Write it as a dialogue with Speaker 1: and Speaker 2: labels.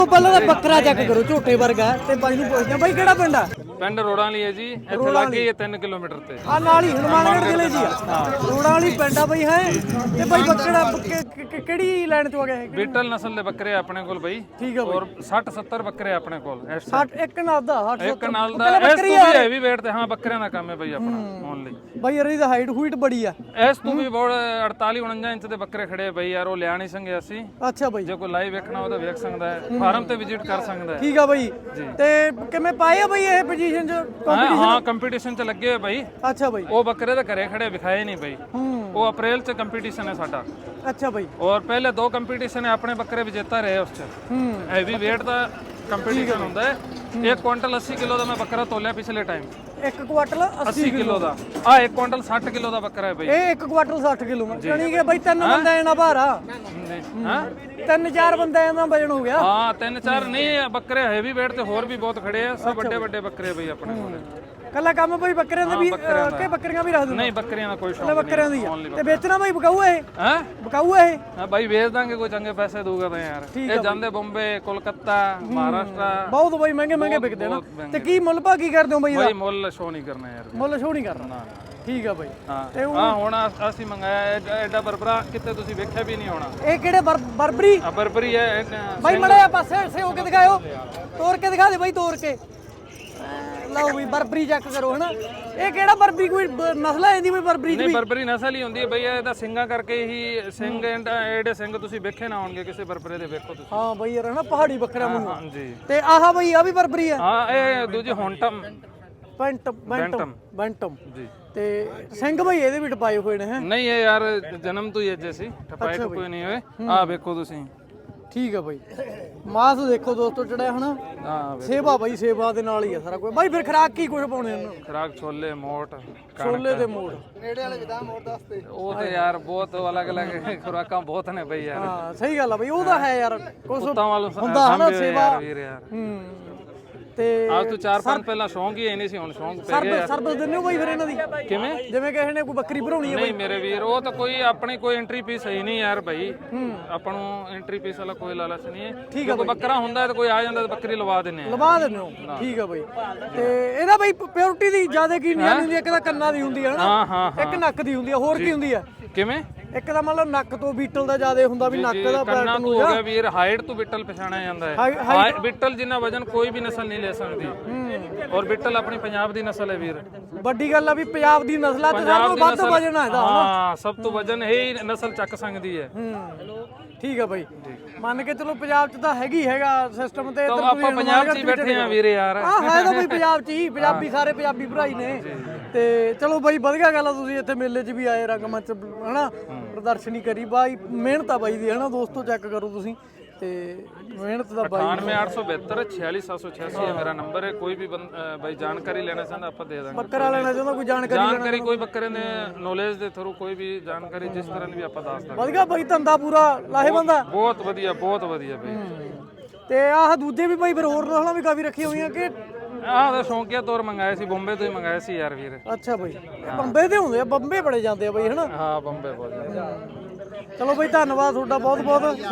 Speaker 1: ਪਹਿਲਾਂ ਤਾਂ ਬੱਕਰਾ ਚੈੱਕ ਕਰੋ, ਝੋਟੇ ਵਰਗਾ। ਤੇ ਬਾਈ ਨੂੰ ਪੁੱਛਦੇ ਬਾਈ ਕਿਹੜਾ ਪਿੰਡ ਆ?
Speaker 2: ਪਿੰਡ ਰੋੜਾਂ ਵਾਲੀ ਹੈ ਜੀ, ਇੱਥੇ ਲੱਗੇ ਹੀ 3 ਕਿਲੋਮੀਟਰ ਤੇ
Speaker 1: ਆ ਨਾਲ ਹੀ ਹਨੂਮਾਨਗੜ੍ਹ ਜ਼ਿਲ੍ਹੇ ਜੀ ਆ, ਰੋੜਾਂ ਵਾਲੀ ਪਿੰਡ ਆ ਬਈ ਹੈ। ਤੇ ਬਾਈ ਬੱਕਰਾ ਕਿਹੜੀ ਲਾਈਨ ਤੋਂ ਆ ਗਿਆ?
Speaker 2: ਬੀਟਲ ਨਸਲ ਦੇ ਬੱਕਰੇ ਆਪਣੇ ਕੋਲ ਬਈ।
Speaker 1: ਠੀਕ ਆ ਬਈ।
Speaker 2: ਔਰ 60 70 ਬੱਕਰੇ ਆਪਣੇ ਕੋਲ।
Speaker 1: 60 ਇੱਕ ਨਾਲ ਦਾ 60
Speaker 2: ਇੱਕ ਨਾਲ ਦਾ ਇਸ ਤੋਂ ਵੀ ਹੈਵੀ weight ਤੇ। ਹਾਂ ਬੱਕਰਿਆਂ ਦਾ ਕੰਮ ਹੈ ਬਈ ਆਪਣਾ ਓਨਲੀ।
Speaker 1: ਬਾਈ ਯਾਰ ਇਹਦੀ ਹਾਈਟ ਹੂਈਟ ਬੜੀ ਆ।
Speaker 2: ਇਸ ਤੋਂ ਵੀ ਬਹੁਤ 48 49 ਇੰਚ ਦੇ ਬੱਕਰੇ ਖੜੇ ਬਈ ਯਾਰ। ਉਹ ਲਿਆ ਨਹੀਂ ਸੰਗੇ ਅਸੀਂ।
Speaker 1: ਅੱਛਾ ਬਾਈ,
Speaker 2: ਜੇ ਕੋਈ ਲਾਈਵ ਵੇਖਣਾ ਉਹਦਾ ਵੇਖ ਸਕਦਾ ਹੈ, ਫਾਰਮ ਤੇ ਵਿਜ਼ਿਟ ਕਰ ਸਕਦਾ ਹੈ।
Speaker 1: ਠੀਕ ਆ ਬਾਈ। ਤੇ ਕਿਵੇਂ ਪਾਏ ਆ ਬਾਈ ਇਹ ਪੋਜੀਸ਼ਨ ਚ?
Speaker 2: ਹਾਂ ਕੰਪੀਟੀਸ਼ਨ ਚ ਲੱਗੇ ਹੋਏ ਬਈ।
Speaker 1: ਅੱਛਾ ਬਾਈ।
Speaker 2: ਉਹ ਬੱਕਰੇ ਤਾਂ ਘਰੇ ਖੜੇ ਵਿਖਾਏ ਨਹੀਂ ਬਈ। ਉਹ ਅਪ੍ਰੈਲ ਚ ਕੰਪੀਟੀਸ਼ਨ ਹੈ ਸਾਡਾ।
Speaker 1: ਅੱਛਾ ਬਾਈ।
Speaker 2: ਔਰ ਪਹਿਲੇ 2 ਕੰਪੀਟੀਸ਼ਨ ਹੈ, ਆਪਣੇ ਬੱਕਰੇ ਵਿਜੇਤਾ ਰਹੇ ਉਸ ਚ। ਹੈਵੀ weight ਦਾ ਕੰਪੀਟੀਸ਼ਨ ਹੁੰਦਾ ਹੈ। 1 ਕੁਇੰਟਲ 80 ਕਿਲੋ ਦਾ ਮੈਂ ਬੱਕਰਾ ਤੋਲਿਆ ਪਿਛਲੇ ਟਾਈਮ।
Speaker 1: 1 ਕੁਆਟਲ
Speaker 2: 80 ਕਿਲੋ ਦਾ। ਆ 1 ਕੁਇੰਟਲ 60 ਕਿਲੋ ਦਾ ਬੱਕਰਾ ਹੈ ਬਈ।
Speaker 1: ਇਹ 1 ਕੁਆਟਲ 60 ਕਿਲੋ ਜਾਨੀ ਕਿ ਬਾਈ 3 ਬੰਦਿਆਂ ਦਾ ਭਾਰ ਆ।
Speaker 2: ਹਾਂ
Speaker 1: 3-4 ਬੰਦਿਆਂ ਦਾ ਵਜਨ ਹੋ ਗਿਆ।
Speaker 2: ਹਾਂ 3-4 ਨਹੀਂ ਬੱਕਰੇ ਹੈਵੀ weight ਤੇ ਹੋਰ ਵੀ ਬਹੁਤ ਖੜੇ ਆ। ਸਭ ਵੱਡੇ ਵੱਡੇ ਬੱਕਰੇ ਬਈ ਆਪਣੇ ਕੋਲ।
Speaker 1: ਕੱਲਾ ਕੰਮ ਬਈ ਬੱਕਰਿਆਂ ਦਾ ਵੀ ਕਿ ਬੱਕਰੀਆਂ ਵੀ ਰੱਖ ਦਿੰਦੇ?
Speaker 2: ਨਹੀਂ ਬੱਕਰੀਆਂ ਦਾ ਕੋਈ ਸ਼ੌਕ
Speaker 1: ਨਹੀਂ, ਬੱਕਰਿਆਂ ਦੀ ਆ। ਤੇ ਵੇਚਣਾ ਬਾਈ ਬਕਾਊ ਇਹ?
Speaker 2: ਹੈ
Speaker 1: ਬਕਾਊ ਇਹ?
Speaker 2: ਹਾਂ ਬਾਈ ਵੇਚ ਦਾਂਗੇ, ਕੋਈ ਚੰਗੇ ਪੈਸੇ ਦਊਗਾ ਤਾਂ ਯਾਰ। ਇਹ ਜਾਂਦੇ ਬੰਬੇ, ਕੋਲਕਾਤਾ, ਮਹਾਰਾਸ਼ਟਰ।
Speaker 1: ਬਹੁਤ ਬਾਈ ਮਹਿੰਗੇ ਮਹਿੰਗੇ ਵਿਕਦੇ ਨਾ। ਤੇ ਕੀ ਮੁੱਲ ਭਾ ਕੀ ਕਰਦੇ ਹੋ ਬਾਈ ਇਹਦਾ?
Speaker 2: ਬਾਈ ਮੁੱਲ ਸ਼ੋ ਨਹੀਂ ਕਰਨਾ ਯਾਰ।
Speaker 1: ਮੁੱਲ ਸ਼ੋ ਨਹੀਂ ਕਰਨਾ। ਠੀਕ ਆ ਬਾਈ।
Speaker 2: ਹਾਂ ਹੁਣ ਅਸੀਂ ਮੰਗਾਇਆ ਐਡਾ ਬਰਬਰਾ, ਕਿਤੇ ਤੁਸੀਂ ਵੇਖਿਆ ਵੀ ਨਹੀਂ ਹੋਣਾ।
Speaker 1: ਇਹ ਕਿਹੜੇ ਬਰਬਰੀ?
Speaker 2: ਬਰਬਰੀ ਹੈ
Speaker 1: ਬਾਈ ਮੜਿਆ ਪਾਸੇ ਸੇ ਹੋ ਕੇ ਦਿਖਾਓ, ਤੋੜ ਕੇ ਦਿਖਾ ਦੇ ਬਾਈ, ਤੋੜ ਕੇ। ਲਓ ਬਈ ਬਰਬਰੀ ਚੈੱਕ ਕਰੋ ਹਨਾ। ਇਹ ਕਿਹੜਾ ਬਰਬਰੀ? ਕੋਈ ਨਸਲ ਹੈ ਇਹਦੀ ਕੋਈ ਬਰਬਰੀ ਦੀ?
Speaker 2: ਨਹੀਂ ਬਰਬਰੀ ਨਸਲ ਹੀ ਹੁੰਦੀ ਹੈ ਬਈ। ਇਹਦਾ ਸਿੰਘਾਂ ਕਰਕੇ ਹੀ ਸਿੰਘ ਐਡੇ ਸਿੰਘ ਤੁਸੀਂ ਵੇਖੇ ਨਾ ਹੋਣਗੇ ਕਿਸੇ ਬਰਬਰੇ ਦੇ। ਵੇਖੋ ਤੁਸੀਂ।
Speaker 1: ਹਾਂ ਬਈ ਯਾਰ ਹਨਾ ਪਹਾੜੀ ਬੱਕਰਾ ਮੈਨੂੰ।
Speaker 2: ਹਾਂਜੀ।
Speaker 1: ਤੇ ਆਹ ਬਈ ਆ ਵੀ ਬਰਬਰੀ ਆ?
Speaker 2: ਹਾਂ ਇਹ ਦੂਜੀ ਹੌਂਟਮ
Speaker 1: ਬੈਂਟਮ
Speaker 2: ਜੀ।
Speaker 1: ਤੇ ਸਿੰਘ ਬਈ ਇਹਦੇ ਵੀ ਟਪਾਏ ਹੋਏ ਨੇ ਹੈ?
Speaker 2: ਨਹੀਂ ਇਹ ਯਾਰ ਜਨਮ ਤੋਂ ਹੀ ਅਜੇ ਸੀ, ਟਪਾਏ ਕੋਈ ਨਹੀਂ ਹੋਏ। ਆਹ ਵੇਖੋ ਤੁਸੀਂ।
Speaker 1: ਠੀਕ ਆ ਬਾਈ। ਮਾਸ ਦੇਖੋ ਦੋਸਤੋ ਚੜਿਆ ਹਨਾ।
Speaker 2: ਹਾਂ
Speaker 1: ਸੇਵਾ ਬਾਈ, ਸੇਵਾ ਦੇ ਨਾਲ ਹੀ ਆ ਸਾਰਾ ਕੁਝ ਬਾਈ। ਫਿਰ ਖਰਾਕ ਕੀ ਕੁਝ ਪਾਉਣੇ ਇਹਨਾਂ ਨੂੰ?
Speaker 2: ਖਰਾਕ ਛੋਲੇ ਮੋਟ
Speaker 1: ਛੋਲੇ ਤੇ ਮੋੜ ਨੇੜੇ ਵਾਲੇ ਵਿਦਾ ਮੋੜ ਦੱਸਦੇ।
Speaker 2: ਉਹ ਤੇ ਯਾਰ ਬਹੁਤ ਅਲੱਗ-ਅਲੱਗ ਖੁਰਾਕਾਂ ਬਹੁਤ ਨੇ ਬਈ ਯਾਰ।
Speaker 1: ਹਾਂ ਸਹੀ ਗੱਲ ਆ ਬਈ। ਉਹਦਾ ਹੈ ਯਾਰ ਕੁਝ
Speaker 2: ਕੁੱਤਾਂ ਵਾਲੋਂ
Speaker 1: ਹੁੰਦਾ ਹਨਾ ਸੇਵਾ।
Speaker 2: ਵੀਰ ਯਾਰ
Speaker 1: ਤੇ
Speaker 2: ਅੱਜ ਤੋਂ 4-5 ਪਹਿਲਾਂ ਸ਼ੌਂਕ ਹੀ ਨਹੀਂ ਸੀ, ਹੁਣ ਸ਼ੌਂਕ ਪੈ ਗਿਆ।
Speaker 1: ਸਰਵਿਸ ਦਿੰਦੇ ਹੋ ਬਾਈ ਫਿਰ ਇਹਨਾਂ ਦੀ?
Speaker 2: ਕਿਵੇਂ?
Speaker 1: ਜਿਵੇਂ ਕਿਸੇ ਨੇ ਕੋਈ ਬੱਕਰੀ ਭਰਾਉਣੀ ਹੈ?
Speaker 2: ਨਹੀਂ ਮੇਰੇ ਵੀਰ ਉਹ ਤਾਂ ਕੋਈ ਆਪਣੀ ਕੋਈ ਐਂਟਰੀ ਫੀਸ ਹੈ ਨਹੀਂ ਯਾਰ ਭਾਈ। ਆਪਾਂ ਨੂੰ ਐਂਟਰੀ ਫੀਸ ਵਾਲਾ ਕੋਈ ਲਾਲਚ ਨਹੀਂ ਹੈ। ਠੀਕ ਹੈ। ਕੋਈ ਬੱਕਰਾ ਹੁੰਦਾ ਤੇ ਕੋਈ ਆ ਜਾਂਦਾ ਤੇ ਬੱਕਰੀ ਲਵਾ ਦਿੰਨੇ ਆ।
Speaker 1: ਲਵਾ ਦਿੰਦੇ ਹੋ? ਠੀਕ ਆ ਬਾਈ। ਤੇ ਇਹਦਾ ਬਾਈ ਪਿਓਰਿਟੀ ਦੀ ਜ਼ਿਆਦਾ ਕੀ ਨਹੀਂ ਹੁੰਦੀ? ਇੱਕ ਤਾਂ ਕੰਨਾਂ ਦੀ ਹੁੰਦੀ ਹੈ
Speaker 2: ਹਾਂ ਹਾਂ।
Speaker 1: ਇੱਕ ਨੱਕ ਦੀ ਹੁੰਦੀ ਹੈ, ਹੋਰ ਕੀ ਹੁੰਦੀ ਹੈ?
Speaker 2: ਕਿਵੇਂ?
Speaker 1: ਇੱਕ ਤਾਂ ਮਤਲਬ ਨੱਕ ਤੋਂ ਬੀਟਲ ਦਾ ਜ਼ਿਆਦਾ ਹੁੰਦਾ ਵੀ ਨੱਕ ਦਾ
Speaker 2: ਕੰਨਾਂ ਤੋਂ ਹੋ ਗਿਆ ਵੀਰ। ਹਾਈਟ ਤੋਂ ਬਿੱਟਲ ਪਛਾਣਿਆ ਜਾਂਦਾ ਹੈ। ਬਿੱਟਲ ਜਿੰਨਾ ਵਜਨ ਕੋਈ ਵੀ ਨਸਲ ਨਹੀਂ ਲੈ ਸਕਦੀ। ਔਰ ਬਿੱਟਲ ਆਪਣੀ ਪੰਜਾਬ ਦੀ ਨਸਲ ਹੈ ਵੀਰ।
Speaker 1: ਵੱਡੀ ਗੱਲ ਆ ਵੀ ਪੰਜਾਬ ਦੀ ਨਸਲਾਂ ਤੇ ਸਭ ਤੋਂ ਵੱਧ ਵਜਨ ਆ ਇਹਦਾ।
Speaker 2: ਹਾਂ ਸਭ ਤੋਂ ਵਜਨ ਹੀ ਨਸਲ ਚੱਕ ਸਕਦੀ ਹੈ।
Speaker 1: ਠੀਕ ਆ ਬਾਈ। ਮੰਨ ਕੇ ਚਲੋ ਪੰਜਾਬ 'ਚ ਤਾਂ ਹੈਗਾ ਸਿਸਟਮ। ਤੇ
Speaker 2: ਆਪਾਂ ਪੰਜਾਬ 'ਚ ਹੀ ਬੈਠੇ ਆ ਵੀਰੇ ਯਾਰ।
Speaker 1: ਹਾਂ ਹੈ ਤਾਂ ਬਈ ਪੰਜਾਬ 'ਚ ਹੀ। ਪੰਜਾਬੀ ਸਾਰੇ ਪੰਜਾਬੀ ਭਰਾਈ ਨੇ। ਤੇ ਚਲੋ ਬਾਈ ਵਧੀਆ ਗੱਲ ਆ, ਤੁਸੀਂ ਇੱਥੇ ਮੇਲੇ 'ਚ ਵੀ ਆਏ, ਰੰਗਮੰਚ ਹਨਾ ਪ੍ਰਦਰਸ਼ਨੀ ਕਰੀ। ਬਾਈ ਮਿਹਨਤ ਆ ਬਾਈ ਦੀ ਹਨਾ ਦੋਸਤੋ, ਚੈੱਕ ਕਰੋ ਤੁਸੀਂ। ਤੇ ਮਿਹਨਤ ਦਾ ਬਾਈ।
Speaker 2: 9872 46786 ਹੈ ਮੇਰਾ ਨੰਬਰ ਹੈ। ਕੋਈ ਵੀ ਬਾਈ ਜਾਣਕਾਰੀ ਲੈਣਾ ਚਾਹੁੰਦਾ ਆਪਾਂ ਦੇ ਦਾਂਗੇ।
Speaker 1: ਬੱਕਰਾ ਲੈਣਾ ਚਾਹੁੰਦਾ ਕੋਈ ਜਾਣਕਾਰੀ
Speaker 2: ਕੋਈ ਬੱਕਰੇ ਦੇ ਨੌਲੇਜ ਦੇ ਥਰੂ ਕੋਈ ਵੀ ਜਾਣਕਾਰੀ ਜਿਸ ਤਰ੍ਹਾਂ ਦੀ ਵੀ ਆਪਾਂ ਦੱਸ ਦਾਂਗੇ।
Speaker 1: ਵਧੀਆ ਬਾਈ, ਧੰਦਾ ਪੂਰਾ ਲਾਹੇਵੰਦ ਆ।
Speaker 2: ਬਹੁਤ ਵਧੀਆ ਬਈ।
Speaker 1: ਤੇ ਆਹ ਦੂਜੇ ਵੀ ਬਾਈ ਫਿਰ ਹੋਰ ਨਸਲਾਂ ਵੀ ਕਾਫੀ ਰੱਖੀ ਹੋਈਆਂ ਕਿ?
Speaker 2: ਆਹ ਦਾ ਸ਼ੌਂਕੀਆ ਤੌਰ ਮੰਗਾਇਆ ਸੀ, ਬੰਬੇ ਤੋਂ ਹੀ ਮੰਗਾਇਆ ਸੀ ਯਾਰ ਵੀਰ।
Speaker 1: ਅੱਛਾ ਬਾਈ। ਇਹ ਬੰਬੇ ਦੇ ਹੁੰਦੇ ਆ? ਬੰਬੇ ਬੜੇ ਜਾਂਦੇ ਆ ਬਾਈ ਹਨਾ?
Speaker 2: ਹਾਂ ਬੰਬੇ ਬਹੁਤ ਜਾਂਦੇ।
Speaker 1: ਚਲੋ ਬਾਈ ਧੰਨਵਾਦ ਤੁਹਾਡਾ ਬਹੁਤ ਬਹੁਤ।